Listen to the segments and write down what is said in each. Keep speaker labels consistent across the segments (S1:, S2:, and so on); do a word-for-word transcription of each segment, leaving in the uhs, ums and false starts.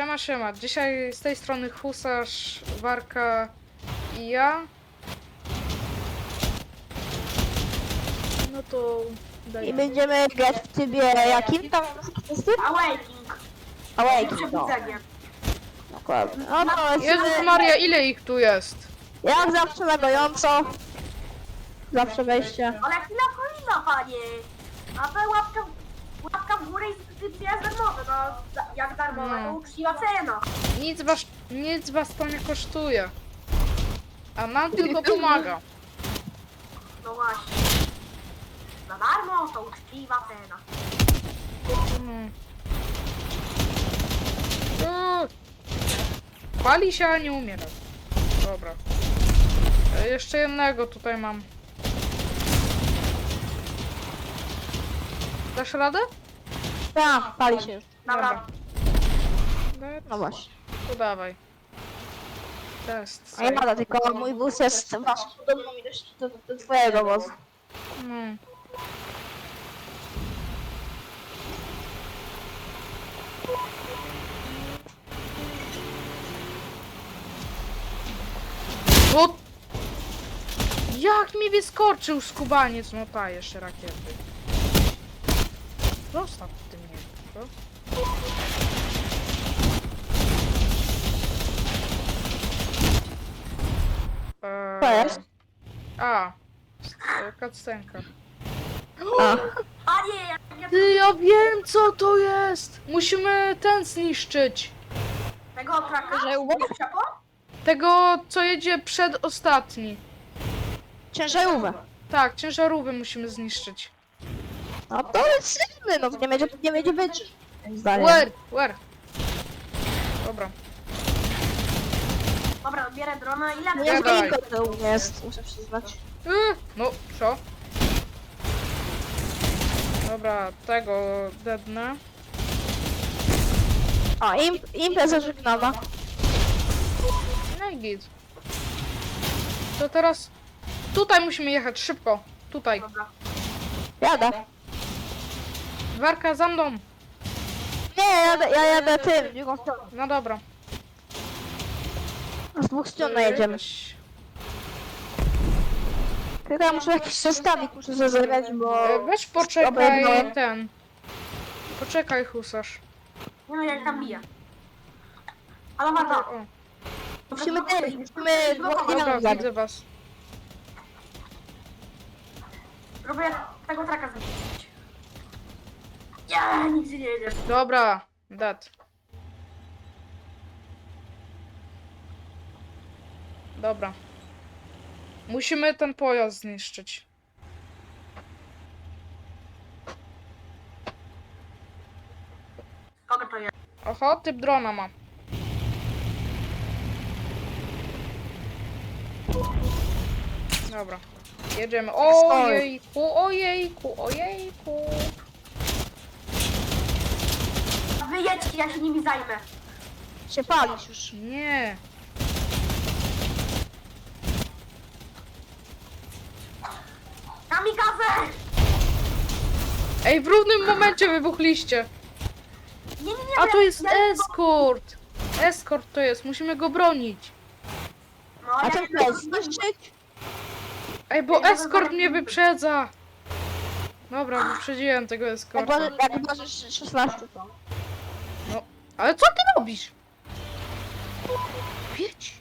S1: Siema, siema. Dzisiaj z tej strony Husarz, Warka i ja. No to... Daj.
S2: I będziemy grać w trybie jakim tam jest typ?
S3: Awakening.
S2: Awakening, no.
S3: Przebudzenie.
S2: Dokładnie. No to
S1: Jezus
S2: lecimy,
S1: Maria, ile ich tu jest?
S2: jak zawsze na gojąco. Zawsze wejście.
S3: Ale chwila kolina, panie. A to łapka, łapka w górę i subskrypcja jest darmowa. No, za- jak darmowa,
S1: No.
S3: to uczciwa cena.
S1: Nic was, nic was to nie kosztuje. A nam tylko pomaga.
S3: No właśnie. Za darmo to uczciwa cena.
S1: Mm. Uuu. Pali się, a nie umiera. Dobra. E, Jeszcze jednego tutaj mam. Dasz radę?
S2: Tak, pali się już.
S3: Dobra.
S2: No właśnie.
S1: To dawaj. Test.
S2: A ja nada, tylko mój wóz jest waszą podobną ilość do, do twojego wozu.
S1: No. O! Jak mi wyskoczył skubaniec, no ta jeszcze rakiety. Zostaw ty mnie, co?
S2: Co
S1: Eee,
S2: jest?
S1: A, e, cutscenka.
S2: A.
S3: Panie, jak ja
S1: Ty, ja wiem co to jest! Musimy ten zniszczyć.
S3: tego traka...
S2: Że uwaga.
S1: Tego, co jedzie przedostatni.
S2: Ciężarówkę.
S1: Tak, ciężarówkę musimy zniszczyć.
S2: No to lecimy, no to nie będzie, nie będzie być. Moim zdaniem.
S1: Where? Where? Dobra.
S3: Dobra, bierę drona. Ile
S2: No
S1: Ja
S2: nie
S1: daj.
S2: tylko to jest, muszę przyznać.
S1: Yy, no, co? Dobra, tego dednę.
S2: A, imp, impreza żegnana.
S1: No i git. To teraz... Tutaj musimy jechać, szybko. Tutaj.
S3: Dobra.
S2: Jadę.
S1: Warka za mną.
S2: Nie, ja jadę, ja jadę tym, w drugą stronę.
S1: No dobra.
S2: Z dwóch stron najedziemy. Tylko ja muszę jakiś zestawik, muszę sobie zagrać, bo...
S1: E, Weź poczekaj
S2: Obejmę.
S1: ten. Poczekaj, husarz.
S3: Nie no, jak tam bije. Ale warto.
S1: O,
S2: Musimy ten, musimy dwóch
S1: dobra,
S2: dynamit zabić.
S1: widzę was.
S3: Próbuję tego traka zniszczyć. Nie, nigdzie nie jedzie.
S1: Dobra, dead. Dobra. Musimy ten pojazd zniszczyć.
S3: Kogo to jest?
S1: Oho, typ drona ma. Dobra. Jedziemy. Ojejku, ojejku, ojejku.
S3: Wyjedźcie, ja się nimi zajmę.
S2: Się palisz już.
S1: Nie.
S3: Kamikaze!
S1: Ej, w równym momencie wybuchliście.
S3: Nie, nie, nie.
S1: A
S3: nie,
S1: to jest
S3: ja-
S1: eskort. Eskort to jest, musimy go bronić.
S3: No,
S2: A
S3: ja
S2: ten
S3: nie-
S2: kto jest? Zniszczyć?
S1: Ej, bo eskort mnie wyprzedza. Dobra, wyprzedziłem tego
S2: Jak
S1: eskorta.
S2: możesz, jak możesz szesnaście to.
S1: Ale co ty robisz? Wiedź.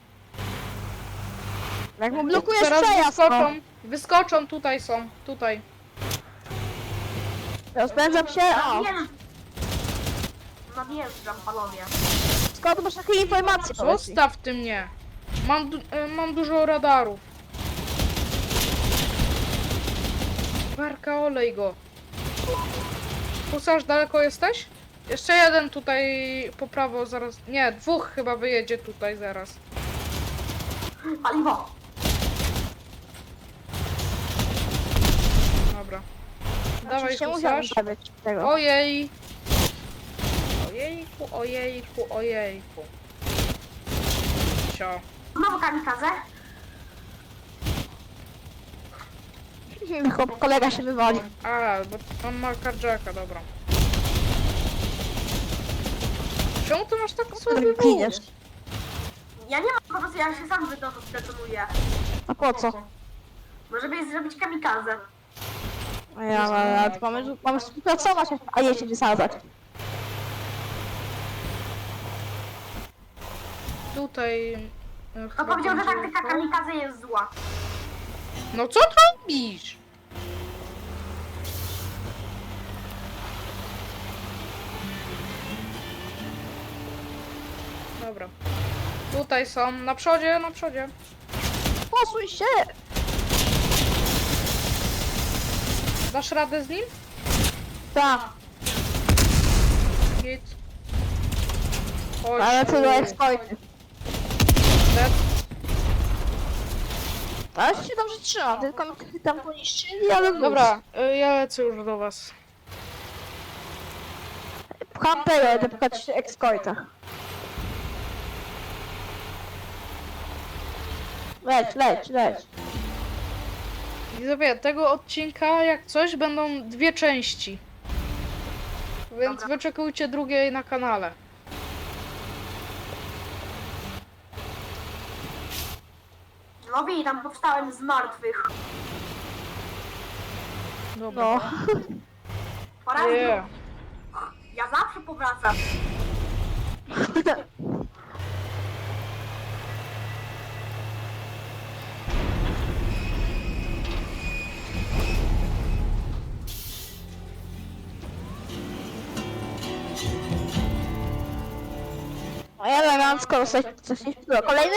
S2: Jak mu blokujesz
S1: Teraz
S2: przejazd, no.
S1: wyskoczą. Wyskoczą, tutaj są, tutaj.
S2: Rozpędzam się, o.
S3: Wiem. Nadjeżdżam, panowie.
S2: Skąd masz takie informacje? powiedz mi?
S1: Zostaw ty mnie. Mam, du e, mam dużo radarów. Warka, olej go. Husarz, daleko jesteś? Jeszcze jeden tutaj po prawo zaraz. Nie, dwóch chyba wyjedzie tutaj zaraz.
S3: Paliwo.
S1: Dobra. Dawaj,
S2: Oczywiście musiałem
S1: husarz.
S2: zabrać tego.
S1: Ojej. Ojejku, ojejku, ojejku. Cio.
S3: Znowu kamikaze.
S2: Chłop, kolega się wywali.
S1: A, bo on ma carjacka, dobra. Czemu ty masz tak słaby
S2: Giniesz.
S1: głos?
S3: Ja nie mam, po prostu ja się sam zdetonuję.
S2: A po co?
S3: Może by zrobić kamikazę.
S2: A ja, ale mamy, mamy współpracować, a nie się wysadzać.
S1: Tutaj... e,
S3: To
S1: chyba
S3: powiedział, że
S1: będzie
S3: taktyka
S1: to.
S3: kamikazy jest zła.
S1: No co ty robisz? Dobra. Tutaj są, na przodzie, na przodzie.
S2: Posuń się!
S1: Dasz radę z nim?
S2: Tak,
S1: Git. Chodź.
S2: ale co do
S1: tu.
S2: exploity.
S1: Dead.
S2: Ale się dobrze trzymam, tylko mi tam poniszczyli, ale luz.
S1: Dobra, y, ja lecę już do was.
S2: Pcham tego, będę pchać exploita. Leć, leć, leć.
S1: Widzowie, tego odcinka jak coś będą dwie części. Więc
S3: Dobra.
S1: wyczekujcie drugiej na kanale.
S3: Lobby, tam powstałem z martwych.
S1: Dobra.
S2: No.
S3: Po raz
S1: Nie.
S3: drugi. Ja zawsze powracam.
S2: No ja elegancko, coś, coś nie wpływa. Kolejny?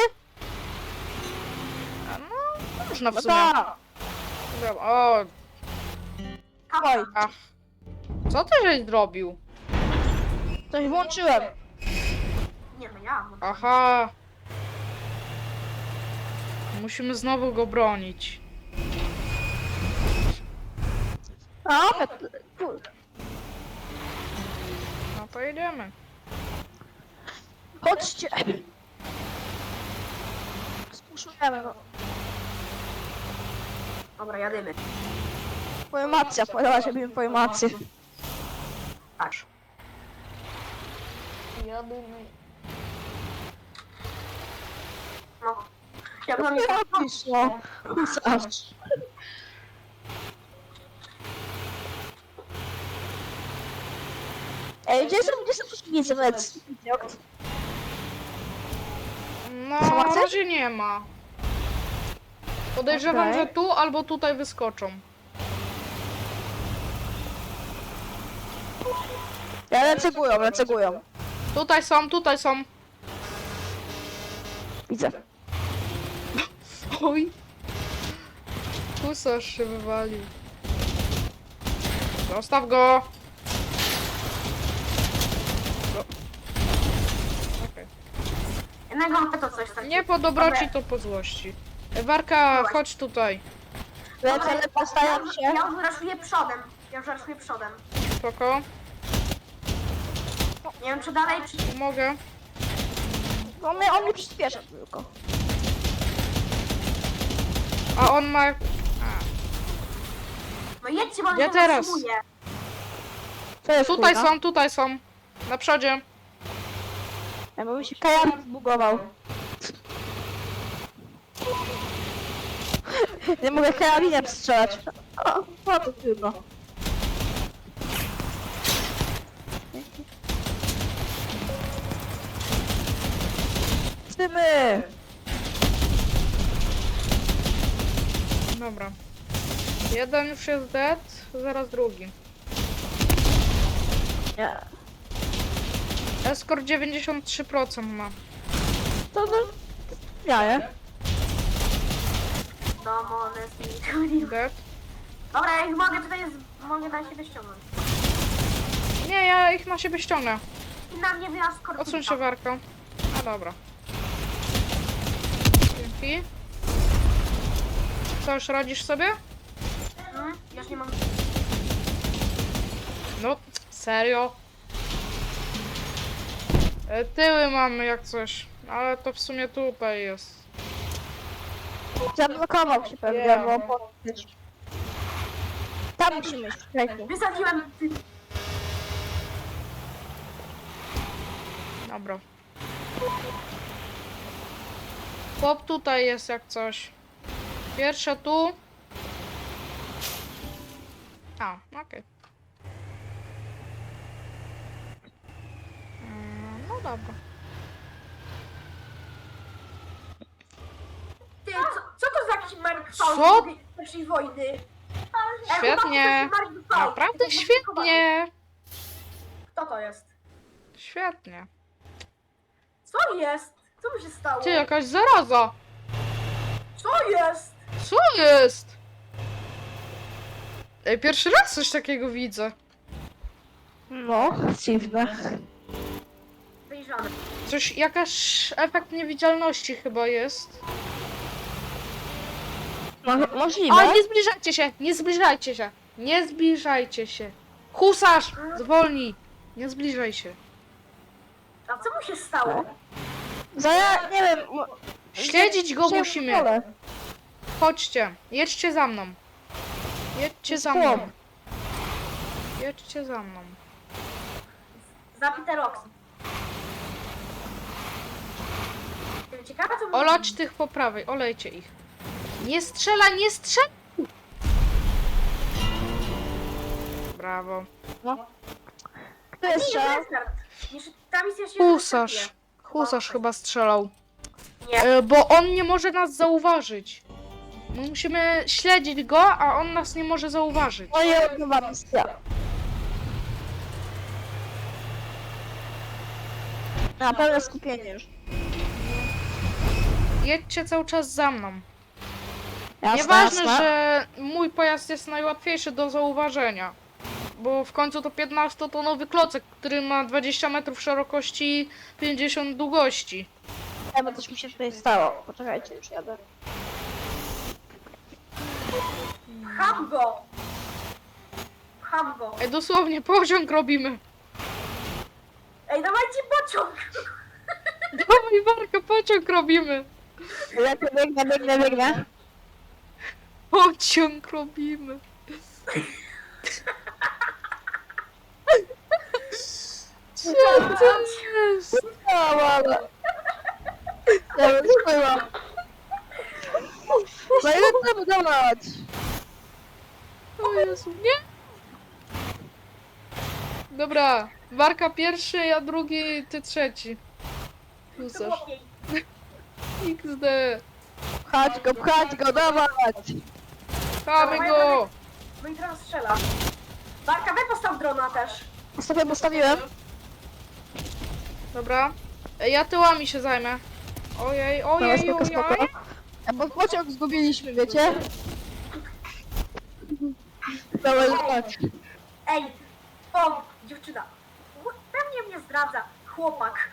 S1: A no, można w
S2: No
S1: sumie.
S2: tak.
S1: Dobra, o,
S2: Oj.
S3: Kawał.
S1: ach. Co ty żeś zrobił?
S2: Coś włączyłem.
S3: Nie no ja. No.
S1: Aha. Musimy znowu go bronić.
S2: A, kur-
S1: No to jedziemy.
S2: chodźcie. Spuszujemy go.
S3: Dobra, jadymy.
S2: Pojmacja, podała się mi pojmację.
S3: Tak.
S1: Jadymy.
S3: No. Ja bym
S2: Nie
S3: nie
S2: robisz, no. Husarz. Ej, gdzie są, gdzie są przeciwnicy? Lec.
S1: No,
S2: Co,
S1: na
S2: chcesz?
S1: razie nie ma. Podejrzewam,
S2: Okej.
S1: że tu albo tutaj wyskoczą.
S2: Ja lecę góją, lecę góją.
S1: Tutaj są, tutaj są.
S2: Widzę.
S1: Oj. Husarz się wywalił. Zostaw go. Go. Okej.
S3: jednego mam to coś takiego.
S1: Nie po dobroci, to po złości. Warka, chodź tutaj.
S2: Lecę, ale postaram się.
S3: Ja już raszuję przodem. Ja już raszuję przodem.
S1: Spoko.
S3: Nie wiem czy dalej, czy...
S1: Pomogę.
S2: On mnie, on mnie przyspiesza tylko.
S1: A on ma... A,
S3: No jedźcie, bo on
S1: Gdzie
S3: się
S1: teraz?
S3: zatrzymuje.
S2: Co jest
S1: tutaj
S2: kurwa?
S1: są, tutaj są. Na przodzie.
S2: Ja bym się kajan zbugował. Nie mogę karabinem strzelać. O, o to trudno. Tymy!
S1: Dobra. Jeden już jest dead, zaraz drugi.
S2: Nie.
S1: Escort dziewięćdziesiąt trzy procent ma.
S2: To to... Jaje.
S3: Domone z
S1: Dead.
S3: Dobra, ja ich mogę tutaj, z... mogę na siebie ściągnąć.
S1: Nie, ja ich na siebie ściągnę.
S3: I na mnie wyjazd
S1: Odsuń się, Warko. A dobra. Dzięki. Co, już radzisz sobie?
S3: Hmm? Już nie mam...
S1: No, serio? E, Tyły mamy jak coś, ale to w sumie tutaj jest.
S2: Zablokował się pewnie,
S1: Yeah.
S2: bo podnieść. Tam musimy iść, czekaj.
S3: Wysadziłem...
S1: Dobra. Chłop tutaj jest jak coś. Pierwsza tu. A, okej. Mm, No dobra.
S3: Ty, co, co to za jakiś Mark
S1: Co?
S3: z pierwszej wojny? Ej,
S1: Świetnie.
S3: chłopaki, to jest Mark V.
S1: Naprawdę
S3: To jest
S1: świetnie.
S3: Kto to jest?
S1: Świetnie.
S3: Co jest? Co mu się stało?
S1: Ty, jakaś zaraza.
S3: Co jest?
S1: Co jest? Ej, pierwszy raz coś takiego widzę.
S2: No, dziwne.
S3: Wyjrzane.
S1: Coś, jakaś efekt niewidzialności chyba jest.
S2: No, możliwe.
S1: Ale nie zbliżajcie się, nie zbliżajcie się. Nie zbliżajcie się. Husarz, zwolnij. Nie zbliżaj się.
S3: A co mu się stało?
S2: Za ja, nie wiem... mo-
S1: Śledzić go
S2: się
S1: musimy.
S2: wolę.
S1: Chodźcie, jedźcie za mną. Jedźcie za mną. Jedźcie za mną.
S3: Zabite Rox. Ciekawe co mu...
S1: Olać tych po prawej, olejcie ich. Nie strzela, nie strzela! Brawo.
S2: No. Kto jest
S3: Nie,
S2: strzał?
S3: restart. Jeszcze- Ta misja się
S1: Husarz.
S3: wyczerpie.
S1: Husarz chyba strzelał.
S3: Nie.
S1: E, bo on nie może nas zauważyć. My musimy śledzić go, a on nas nie może zauważyć.
S2: No i nowa misja. Na pełne skupienie już.
S1: Jedźcie cały czas za mną.
S2: Jasne,
S1: Nieważne,
S2: jasne.
S1: że mój pojazd jest najłatwiejszy do zauważenia. Bo w końcu to piętnastotonowy klocek, który ma dwadzieścia metrów szerokości, pięćdziesiąt długości.
S2: Ja, bo coś mi się tutaj stało. Poczekajcie, już jadę.
S3: Pcham go! Pcham go!
S1: Ej, dosłownie pociąg robimy.
S3: Ej, dawajcie pociąg!
S1: Dawaj, Warka, pociąg robimy.
S2: Ja tu biegnę, biegnę, biegnę.
S1: Pociąg robimy. Co to jest?
S2: No, ale... Ja bym spłyłam. No ile to budować?
S1: O Jezu, nie? Dobra, Warka pierwszy, ja drugi, ty trzeci.
S3: To
S1: Husarz.
S3: chłopiej.
S1: iks de.
S2: Pchać go, pchać go, dawać!
S1: Chamy go!
S3: No i teraz strzela. Barka, wy postaw drona też.
S2: Sobie postawiłem.
S1: Dobra. Ej, ja tyłami się zajmę. Ojej,
S2: No,
S1: ojej,
S2: spoko, spoko.
S1: ojej.
S2: A bo pociąg zgubiliśmy, wiecie? Dawaj, tak.
S3: Ej! O! Dziewczyna! Pewnie mnie zdradza. Chłopak.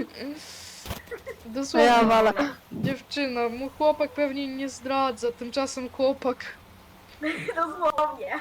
S2: No ja
S1: Dosłownie.
S2: walę.
S1: Dziewczyna, mój chłopak pewnie nie zdradza, tymczasem chłopak.
S3: Dosłownie.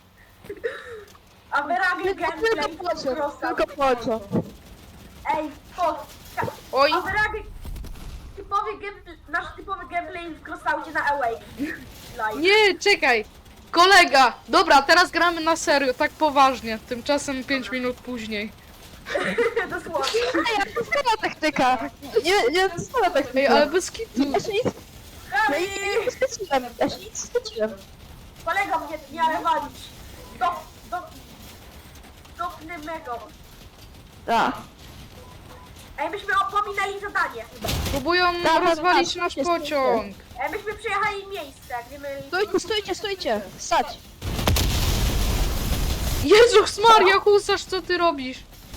S3: A wyrabię
S2: Tylko,
S3: gameplay
S2: tylko pociąg,
S3: prosta.
S2: tylko pociąg.
S3: Ej, o!
S1: Oj,
S3: A wyrabię typowy gameplay, nasz typowy gameplay w Crossaucie na Awake. Live.
S1: nie, czekaj. Kolega! Dobra, teraz gramy na serio, tak poważnie. Tymczasem pięć minut później.
S3: Dosłownie.
S2: Ej, to jest nowa taktyka. Nie, nie, to jest nowa taktyka.
S1: Ej, ale bez kitu.
S2: Ja się nic, ja
S3: Ej,
S2: nic nie spędziłem, ja się nic nie spędziłem.
S3: kolega mnie w miarę walić. Do, do, dopnę mego.
S2: Tak.
S3: Ej, myśmy opominali zadanie chyba.
S1: Próbują
S2: Dobra,
S1: rozwalić
S2: dobra,
S1: nasz
S2: stójcie,
S1: pociąg.
S3: Ej, myśmy przejechali miejsce, gdzie my...
S2: Stójcie, stójcie, stójcie. Stać.
S1: Jezus Maria, husarz, co ty robisz?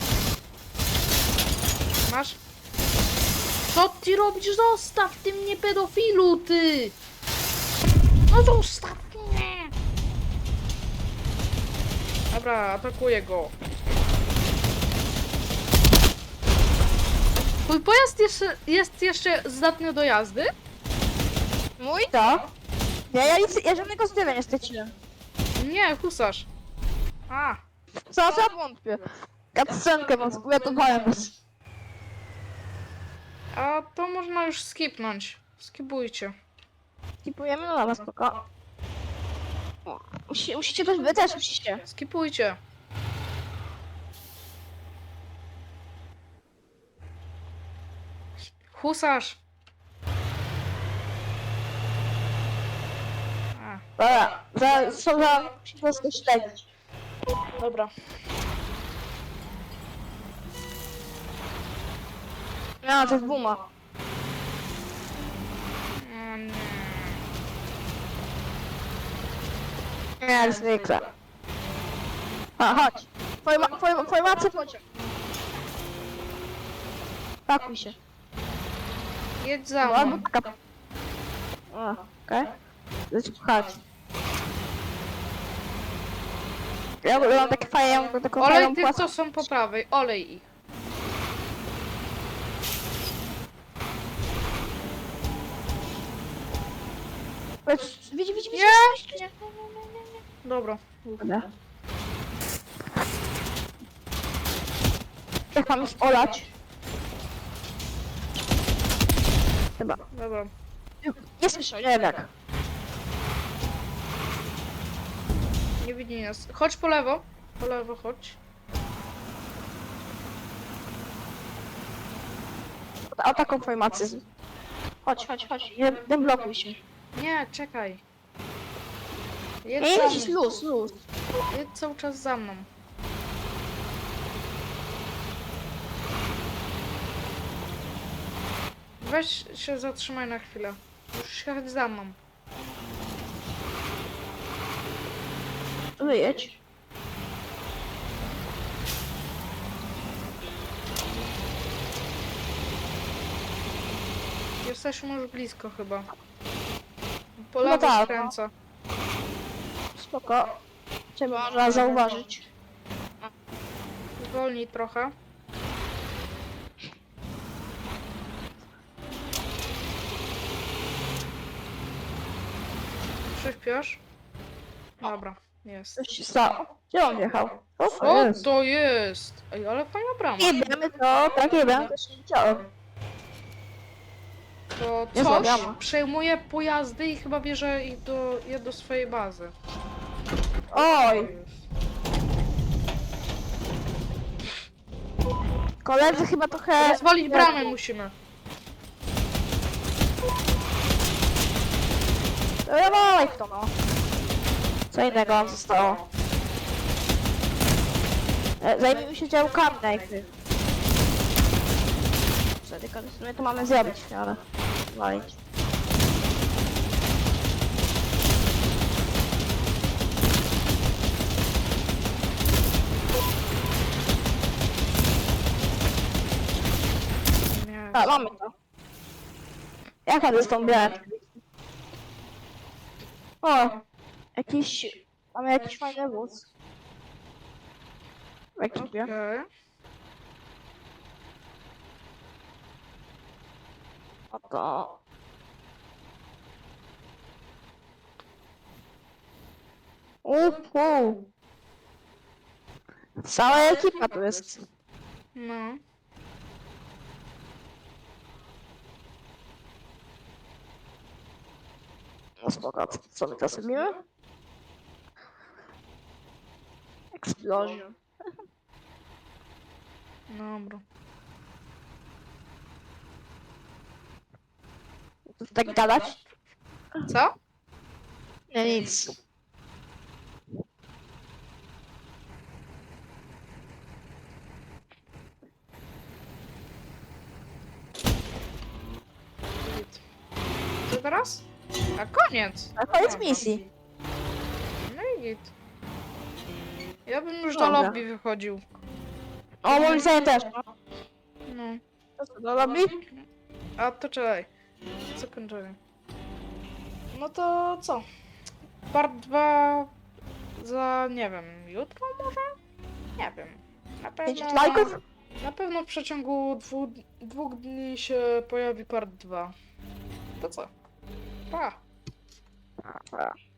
S1: Masz? Co ty robisz? Zostaw ty mnie, pedofilu, ty! No zostaw mnie! Dobra, atakuję go. Twój pojazd jeszcze, jest jeszcze zdatny do jazdy?
S2: Mój to. Ja, ja, nic, ja żadnego zdrowia nie straciłem.
S1: Nie, husarz. A,
S2: Co, co wątpię. Cutscenkę wam zgotowałem.
S1: a to można już skipnąć. Skipujcie.
S2: Skipujemy, no dobra, spoko. O, Musi, musicie też, wy też musicie.
S1: Skipujcie. husarz. A,
S2: Dobra, za, są za... Musi po prostu śledzić.
S1: dobra.
S2: No, to jest buma.
S1: O nie.
S2: Nie, zwykle. A, chodź. Forma, forma, formacja pociąg. Pakuj się.
S1: Jedź za
S2: No,
S1: mną.
S2: albo taka... O, okej. Okay. Chodź. Ja ja mam takie fajne, ja mam taką
S1: Olej
S2: fajną
S1: tych,
S2: płaską.
S1: co są po prawej. Olej ich.
S2: Widz, widz, widz, widz.
S1: Nie! Nie, nie, nie, nie, nie. Dobra.
S2: Dobra. Jak mam już olać? Chyba.
S1: Dobra.
S2: Nie słyszę, nie wiem jak.
S1: Nie widzi nas. Chodź po lewo. Po lewo chodź.
S2: O, o taką formację. Chodź, chodź, chodź. Nie, nie blokuj się.
S1: Nie, czekaj. Jedź
S2: Nie,
S1: za
S2: jedź,
S1: mną.
S2: luz, luz.
S1: Jedź cały czas za mną. Weź się zatrzymaj na chwilę. Musisz jechać za mną.
S2: Wyjedź.
S1: Jesteśmy już blisko chyba. Po
S2: No
S1: lewo
S2: tak, no.
S1: skręca.
S2: Spoko. Cię można zauważyć.
S1: Zwolnij trochę. Przyśpiesz. Dobra, jest.
S2: Coś się stało. Gdzie on jechał? O, to
S1: Co
S2: jest.
S1: to jest? Ej, ale fajna brama.
S2: Jebiemy to, tak jebiemy, to się nie działo.
S1: To
S2: Nie
S1: coś
S2: złabiamy.
S1: przejmuje pojazdy i chyba bierze ich do, je do swojej bazy.
S2: Oj, koledzy chyba trochę...
S1: Rozwalić bramę musimy.
S2: Dawaj w to no. Co innego nam zostało? E, Zajmijmy się działkami najpierw. Co, tylko w sumie to mamy zrobić, ale... Walić.
S1: Nie.
S2: A, mamy to. Jaka to jest tą białą? O! Jakiś... Mamy jakiś fajny wóz. W ekipie.
S1: Okej.
S2: Oto. Uhu. Cała ekipa tu jest.
S1: No.
S2: No spoko, co my teraz robimy? Explosion.
S1: Dobra.
S2: To tak gadać?
S1: Co?
S2: Nie, nic.
S1: Git. Co teraz? A koniec.
S2: A koniec misji.
S1: No i git. Ja bym już do
S2: Dobra.
S1: lobby wychodził.
S2: O, moim zdaniem też, no.
S1: No.
S2: To co, do lobby?
S1: A to czekaj. Co kończymy? No to co? Part dwa za, nie wiem, jutro może? Nie wiem. Na
S2: pięćdziesiąt
S1: pewno,
S2: lajków?
S1: na pewno w przeciągu dwu, dwóch dni się pojawi part dwa. To co? Pa!
S2: A, a.